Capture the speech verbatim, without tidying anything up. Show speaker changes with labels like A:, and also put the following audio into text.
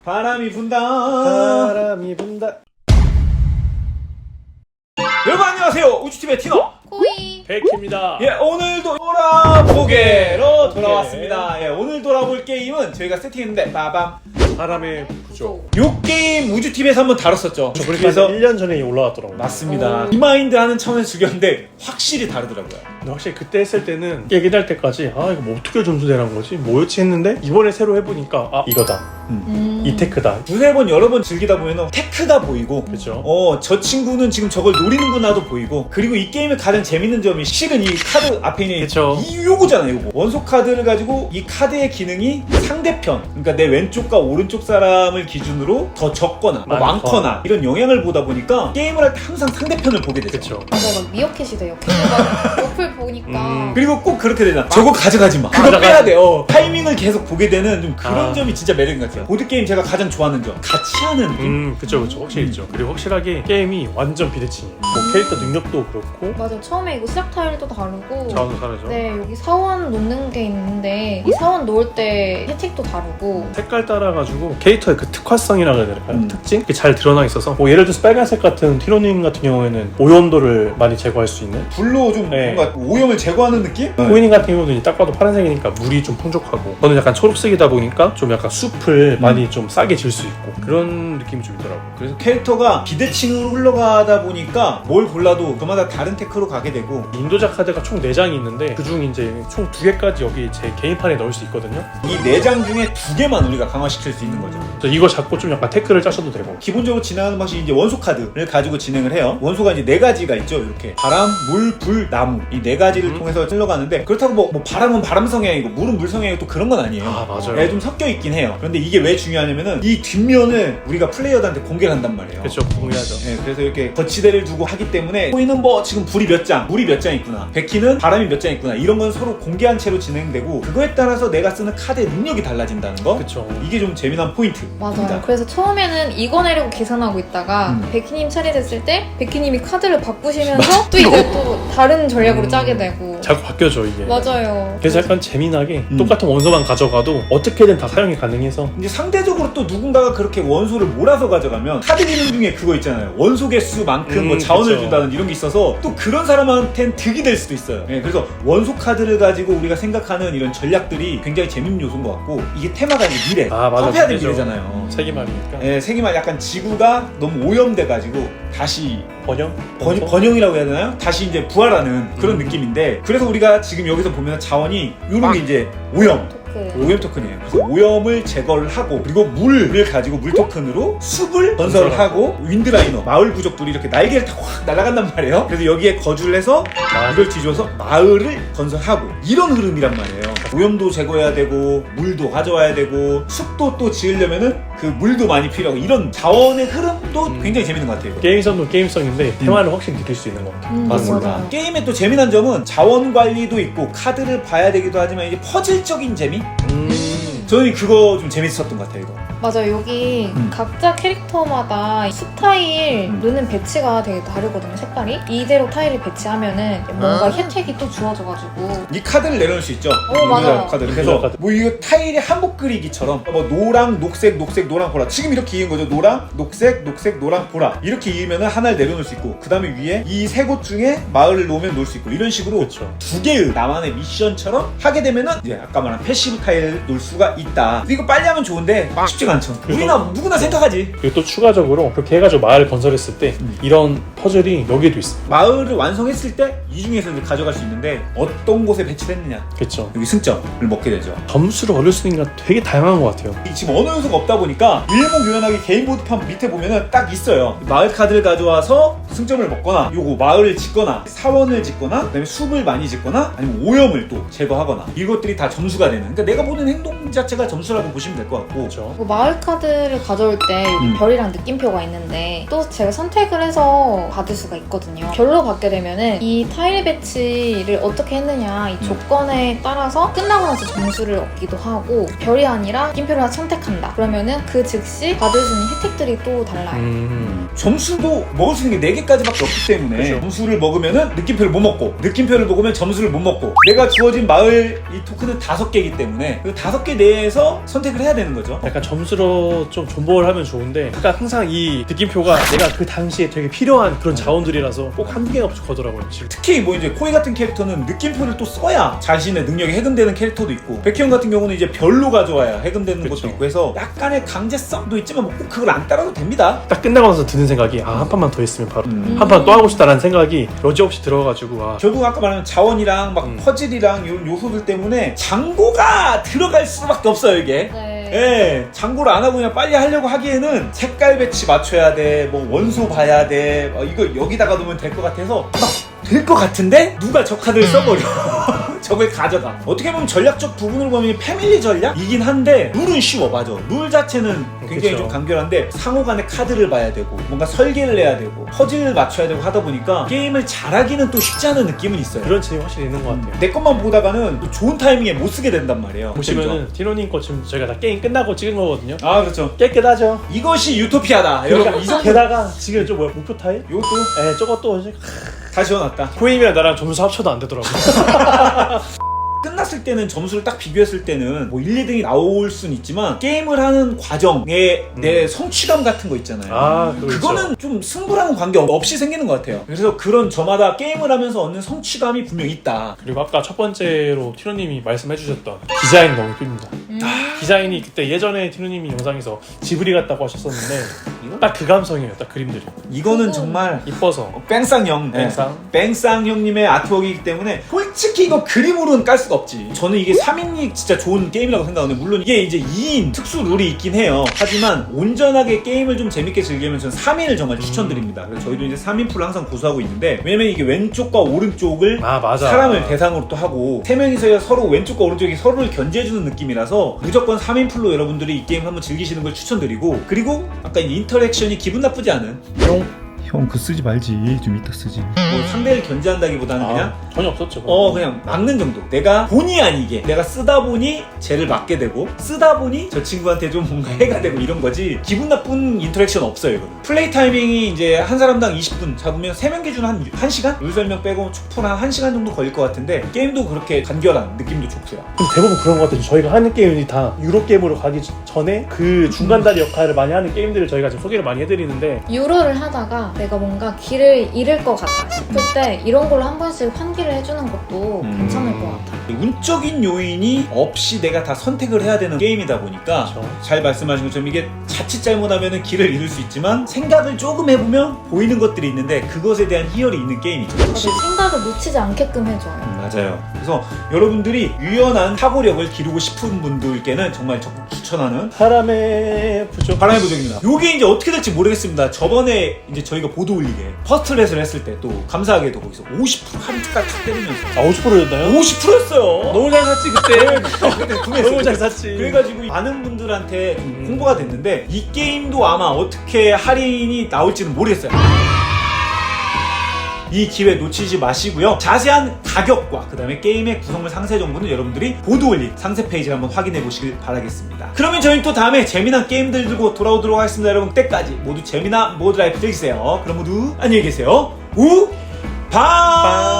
A: 바람이 분다.
B: 바람이 분다.
A: 여러분 안녕하세요. 우주팀의 티너
C: 코이
B: 백희입니다.
A: 예, 오늘도 돌아보게로 돌아왔습니다. 예, 오늘 돌아볼 게임은 저희가 세팅했는데 빠밤.
B: 바람의 부조.
A: 요 게임 우주팀에서 한번 다뤘었죠.
B: 그래서 일 년 전에 올라왔더라고요.
A: 맞습니다. 리마인드 하는 차원에서 즐겼는데 확실히 다르더라고요.
B: 근데 확실히 그때 했을 때는 얘기할 때까지 아 이거 뭐 어떻게 점수 내는 거지? 뭐였지 했는데 이번에 새로 해보니까 아 이거다.
C: 음.
B: 이 테크다.
A: 두세 번 여러 번 즐기다 보면 테크가 보이고
B: 그렇죠.
A: 어, 저 친구는 지금 저걸 노리는구나도 보이고, 그리고 이 게임의 가장 재밌는 점이 실은 이 카드 앞에 있는
B: 그쵸.
A: 이 요거잖아요. 요거 원소 카드를 가지고 이 카드의 기능이 상대편, 그러니까 내 왼쪽과 오른쪽 사람을 기준으로 더 적거나 뭐
B: 많거나.
A: 많거나 이런 영향을 보다 보니까 게임을 할 때 항상 상대편을 보게 되죠.
B: 그렇죠.
C: 맞아, 막 미어캣이 돼요. 걔가 옆을 보니까
B: 음.
A: 그리고 꼭 그렇게 되잖아. 저거 가져가지 마. 그거
B: 가져가지
A: 빼야 돼. 어. 타이밍을 계속 보게 되는 좀 그런
B: 아.
A: 점이 진짜 매력인 것 같아요. 보드게임 제가 가장 좋아하는 점, 같이 하는 느낌.
B: 음 그쵸 그쵸 확실히
A: 음.
B: 있죠. 그리고 확실하게 게임이 완전 비대칭이에요. 뭐 캐릭터 능력도 그렇고
C: 맞아, 처음에 이거 시작 타일도 다르고
B: 자원도 다르죠.
C: 네, 여기 사원 놓는 게 있는데 이 사원 놓을 때 혜택도 다르고
B: 색깔 따라가지고 캐릭터의 그 특화성이라고 해야 될까요?
A: 음.
B: 특징? 그게 잘 드러나 있어서 뭐 예를 들어서 빨간색 같은 티로님 같은 경우에는 오염도를 많이 제거할 수 있는,
A: 불로 좀
B: 네.
A: 뭔가 오염을 제거하는 느낌?
B: 코이닝 같은 경우는 딱 봐도 파란색이니까 물이 좀 풍족하고, 저는 약간 초록색이다 보니까 좀 약간 숲을
A: 음.
B: 많이 좀 싸게 질 수 있고 그런 느낌이 좀 있더라고요.
A: 그래서 캐릭터가 비대칭으로 흘러가다 보니까 뭘 골라도 그마다 다른 테크로 가게 되고,
B: 인도자 카드가 총 네 장이 있는데 그중 이제 총 두 개까지 여기 제 개인판에 넣을 수 있거든요.
A: 이 네 장 중에 두 개만 우리가 강화시킬 수 있는 거죠.
B: 그래서 이거 잡고 좀 약간 태클을 짜셔도 되고.
A: 기본적으로 진행하는 방식이 이제 원소 카드를 가지고 진행을 해요. 원소가 이제 네 가지가 있죠. 이렇게 바람, 물, 불, 나무, 이 네 가지를
B: 음.
A: 통해서 흘러가는데, 그렇다고 뭐, 뭐 바람은 바람 성향이고 물은 물 성향이고 또 그런 건 아니에요.
B: 아 맞아요.
A: 네, 좀 섞여 있긴 해요. 그런데 이게 왜 중요하냐면은 이 뒷면을 우리가 플레이어들한테 공개를 한단 말이에요.
B: 그렇죠. 공유하죠.
A: 네, 그래서 이렇게 거치대를 두고 하기 때문에 코이는 뭐 지금 불이 몇 장, 물이 몇 장 있구나, 백희는 바람이 몇 장 있구나, 이런 건 서로 공개한 채로 진행되고, 그거에 따라서 내가 쓰는 카드의 능력이 달라진다는 거.
B: 그렇죠.
A: 이게 좀 재미난 포인트입니다.
C: 맞아요. 그래서 처음에는 이거 내려고 계산하고 있다가
A: 음.
C: 백희님 차례 됐을 때 백희님이 카드를 바꾸시면서 또 이제 또 다른 전략으로
B: 음.
C: 짜게 되고
B: 자꾸 바뀌어져 이게.
C: 맞아요.
B: 그래서 약간 재미나게
A: 음.
B: 똑같은 원소만 가져가도 어떻게든 다 사용이 가능해서.
A: 이제 상대적으로 또 누군가가 그렇게 원소를 몰아서 가져가면 카드 기능 중에 그거 있잖아요. 원소 개수만큼
B: 음,
A: 뭐 자원을
B: 그쵸.
A: 준다는 이런 게 있어서 또 그런 사람한테는 득이 될 수도 있어요. 네, 그래서 원소 카드를 가지고 우리가 생각하는 이런 전략들이 굉장히 재밌는 요소인 것 같고, 이게 테마가 이제 미래,
B: 아 맞아.
A: 화폐화된
B: 미래죠.
A: 미래잖아요.
B: 세기말이니까.
A: 네, 세기말 약간 지구가 너무 오염돼가지고 다시
B: 번영?
A: 번,
B: 원소?
A: 번영이라고 해야 되나요? 다시 이제 부활하는 그런
B: 음.
A: 느낌인데, 그래서 우리가 지금 여기서 보면 자원이 이런 게 이제 오염,
C: 토크.
A: 오염 토큰이에요. 그래서 오염을 제거를 하고, 그리고 물을 가지고 물 토큰으로 숲을 건설을 하고, 윈드라이너, 마을 부족들이 이렇게 날개를 타고 확 날아간단 말이에요. 그래서 여기에 거주를 해서
B: 아,
A: 이걸 뒤져서 마을을 건설하고, 이런 흐름이란 말이에요. 오염도 제거해야 되고, 물도 가져와야 되고, 숲도 또 지으려면은 그 물도 많이 필요하고, 이런 자원의 흐름도
B: 음.
A: 굉장히 재밌는 것 같아요.
B: 게임성도 게임성인데 테마를 확실히 느낄 수 있는 것 같아요.
C: 음,
A: 맞습니다.
C: 맞아요.
A: 게임의 또 재미난 점은 자원 관리도 있고 카드를 봐야 되기도 하지만 이제 퍼즐적인 재미?
B: 음.
A: 저는 그거 좀 재밌었던 것 같아요. 이거.
C: 맞아요. 여기
A: 음.
C: 각자 캐릭터마다 스타일
A: 음.
C: 넣는 배치가 되게 다르거든요. 색깔이. 이대로 타일을 배치하면은 뭔가
A: 아.
C: 혜택이 또 주어져가지고
A: 이 카드를 내려놓을 수 있죠.
C: 어, 맞아요.
A: 카드를.
B: 유저
A: 그래서
B: 카드.
A: 뭐 이거 타일이 한복 그리기처럼 뭐 노랑, 녹색, 녹색, 노랑, 보라. 지금 이렇게 이은 거죠. 노랑, 녹색, 녹색, 노랑, 보라. 이렇게 이으면 하나를 내려놓을 수 있고, 그 다음에 위에 이 세 곳 중에 마을을 놓으면 놓을 수 있고, 이런 식으로
B: 그렇죠.
A: 두 개의 나만의 미션처럼 하게 되면은 이제 아까 말한 패시브 타일을 놓을 수가 있다. 근데 이거 빨리 하면 좋은데 쉽지가 않죠.
B: 그래서-
A: 우리나 누구나 생각하지.
B: 그리고 또 추가적으로 그렇게 해가지고 마을 건설했을 때
A: 음.
B: 이런 퍼즐이 여기에도 있어.
A: 마을을 완성했을 때 이 중에서 이제 가져갈 수 있는데, 어떤 곳에 배치됐느냐,
B: 그렇죠.
A: 여기 승점을 먹게 되죠.
B: 점수를 얻을 수 있는 게 되게 다양한 것 같아요.
A: 이 지금 언어 요소가 없다 보니까 일목요연하게 개인보드판 밑에 보면은 딱 있어요. 마을 카드를 가져와서 승점을 먹거나, 요거 마을을 짓거나, 사원을 짓거나, 그다음에 숲을 많이 짓거나, 아니면 오염을 또 제거하거나, 이것들이 다 점수가 되는, 그러니까 내가 보는 행동 자체가 점수라고 보시면 될 것 같고.
B: 그렇죠.
C: 뭐 마을 카드를 가져올 때 여기
A: 음.
C: 별이랑 느낌표가 있는데 또 제가 선택을 해서 받을 수가 있거든요. 별로 받게 되면은 이 타일 배치를 어떻게 했느냐 이 조건에 따라서 끝나고 나서 점수를 얻기도 하고, 별이 아니라 느낌표를 하나 선택한다 그러면은 그 즉시 받을 수 있는 혜택들이 또 달라요.
B: 음.
A: 점수도 먹을 수 있는 게 네 개까지밖에 없기 때문에
B: 그쵸.
A: 점수를 먹으면은 느낌표를 못 먹고 느낌표를 먹으면 점수를 못 먹고 내가 주어진 마을 이 토큰은 다섯 개이기 때문에 그 다섯 개 내에서 선택을 해야 되는 거죠.
B: 약간 점수로 좀 존버를 하면 좋은데 그러니까 항상 이 느낌표가 내가 그 당시에 되게 필요한 그런 자원들이라서 꼭 한두 개가 부족하더라고요. 지금.
A: 특히 뭐 이제 코이 같은 캐릭터는 느낌표를 또 써야 자신의 능력이 해금되는 캐릭터도 있고 백희영 같은 경우는 이제 별로 가져와야 해금되는
B: 그쵸.
A: 것도 있고 해서 약간의 강제성도 있지만 뭐 꼭 그걸 안 따라도 됩니다.
B: 딱 끝나고 나서 드는 생각이 아 한 판만 더 했으면 바로
A: 음.
B: 한 판 또 하고 싶다라는 생각이 여지없이 들어가지고 아
A: 결국 아까 말한 자원이랑 막
B: 음.
A: 퍼즐이랑 이런 요소들 때문에 장고가 들어갈 수밖에 없어요 이게.
C: 네.
A: 예, 장고를 안 하고 그냥 빨리 하려고 하기에는 색깔 배치 맞춰야 돼, 뭐 원소 봐야 돼, 어, 이거 여기다가 놓으면 될 것 같아서 막 될 것 같은데 누가 저 카드를 써버려. 저걸 가져가. 어떻게 보면 전략적 부분을 보면 패밀리 전략이긴 한데 룰은 쉬워. 맞아. 룰 자체는 굉장히
B: 그쵸.
A: 좀 간결한데 상호 간에 카드를 봐야 되고 뭔가 설계를 해야 되고 퍼즐을 맞춰야 되고 하다 보니까 게임을 잘하기는 또 쉽지 않은 느낌은 있어요.
B: 그런 재미 확실히 있는 것 같아요.
A: 내 것만 보다가는 또 좋은 타이밍에 못 쓰게 된단 말이에요.
B: 보시면은 티노님 거 지금 저희가 다 게임 끝나고 찍은 거거든요.
A: 아 그렇죠.
B: 깨끗하죠.
A: 이것이 유토피아다. 여러분 이 정도
B: 게다가 지금 저 뭐야 목표 타일?
A: 요것도
B: 에 저것도 이제
A: 다 지워놨다.
B: 코임이랑 나랑 점수 합쳐도 안 되더라고.
A: 끝났을 때는 점수를 딱 비교했을 때는 뭐 일, 이 등이 나올 순 있지만 게임을 하는 과정에
B: 음.
A: 내 성취감 같은 거 있잖아요.
B: 아, 그거
A: 그거는
B: 있죠.
A: 좀 승부랑은 관계 없이 생기는 것 같아요. 그래서 그런 저마다 게임을 하면서 얻는 성취감이 분명히 있다.
B: 그리고 아까 첫 번째로 티노님이 말씀해주셨던 디자인 너무 이쁩니다.
C: 음.
B: 디자인이 그때 예전에 티노님이 영상에서 지브리 같다고 하셨었는데 딱 그 감성이에요. 딱 그림들이
A: 이거는
C: 그거-
A: 정말
B: 이뻐서
A: 뺑쌍형
B: 뺑쌍.
A: 네. 뺑쌍 형님의 아트웍이기 때문에 솔직히 이거 그림으로는 깔 수가 없지. 저는 이게 삼 인이 진짜 좋은 게임이라고 생각하는데 물론 이게 이제 이 인 특수 룰이 있긴 해요. 하지만 온전하게 게임을 좀 재밌게 즐기면 저는 삼 인을 정말 추천드립니다. 그래서 저희도 이제 삼 인 풀을 항상 고수하고 있는데 왜냐면 이게 왼쪽과 오른쪽을
B: 아 맞아
A: 사람을 대상으로 또 하고 세 명이서 서로 왼쪽과 오른쪽이 서로를 견제해주는 느낌이라서 무조건 삼 인 풀로 여러분들이 이 게임 한번 즐기시는 걸 추천드리고 그리고 아까 이 인터랙션이 기분 나쁘지 않은
B: 용
A: 형 그 쓰지 말지 좀 이따 쓰지 뭐 상대를 견제한다기보다는 그냥
B: 아, 전혀 없었죠.
A: 어 그냥 막는 정도. 내가 본의 아니게 내가 쓰다 보니 쟤를 막게 되고 쓰다 보니 저 친구한테 좀 뭔가 해가 되고 이런 거지 기분 나쁜 인터랙션 없어요. 이거는 플레이 타이밍이 이제 한 사람당 이십 분 잡으면 세 명 기준 한 한 시간? 룰 설명 빼고 촉풀 한 1시간 정도 걸릴 것 같은데 게임도 그렇게 간결한 느낌도 좋고요.
B: 좀 대부분 그런 것 같아요. 저희가 하는 게임이 다 유로 게임으로 가기 전에 그 중간다리 역할을 많이 하는 게임들을 저희가 지금 소개를 많이 해드리는데
C: 유로를 하다가 내가 뭔가 길을 잃을 것 같다 싶을 때 이런 걸로 한 번씩 환기를 해주는 것도
A: 음.
C: 괜찮을 것 같아.
A: 운적인 요인이 없이 내가 다 선택을 해야 되는 게임이다 보니까
B: 그렇죠.
A: 잘 말씀하신 것처럼 이게 자칫 잘못하면 길을 잃을 수 있지만 생각을 조금 해보면 보이는 것들이 있는데 그것에 대한 희열이 있는 게임이죠.
C: 다들 생각을 놓치지 않게끔 해줘요.
A: 맞아요. 그래서 여러분들이 유연한 사고력을 기르고 싶은 분들께는 정말 적극 추천하는
B: 사람의 부족
A: 바람의 부적입니다. 요게 이제 어떻게 될지 모르겠습니다. 저번에 이제 저희가 보도 올리게 퍼스트 렛을 했을 때 또 감사하게도 거기서 오십 퍼센트 할인까지 탁 때리면서
B: 아 오십 퍼센트였나요?
A: 오십 퍼센트였어요.
B: 너무 잘 샀지 그때.
A: 그때 구매했어요.
B: 너무 잘 샀지.
A: 그래가지고 많은 분들한테 좀
B: 음.
A: 홍보가 됐는데 이 게임도 아마 어떻게 할인이 나올지는 모르겠어요. 이 기회 놓치지 마시고요. 자세한 가격과 그 다음에 게임의 구성물 상세 정보는 여러분들이 보도 올린 상세 페이지를 한번 확인해 보시길 바라겠습니다. 그러면 저희는 또 다음에 재미난 게임들 들고 돌아오도록 하겠습니다. 여러분 그때까지 모두 재미난 모드 라이프 즐기세요. 그럼 모두 안녕히 계세요. 우 바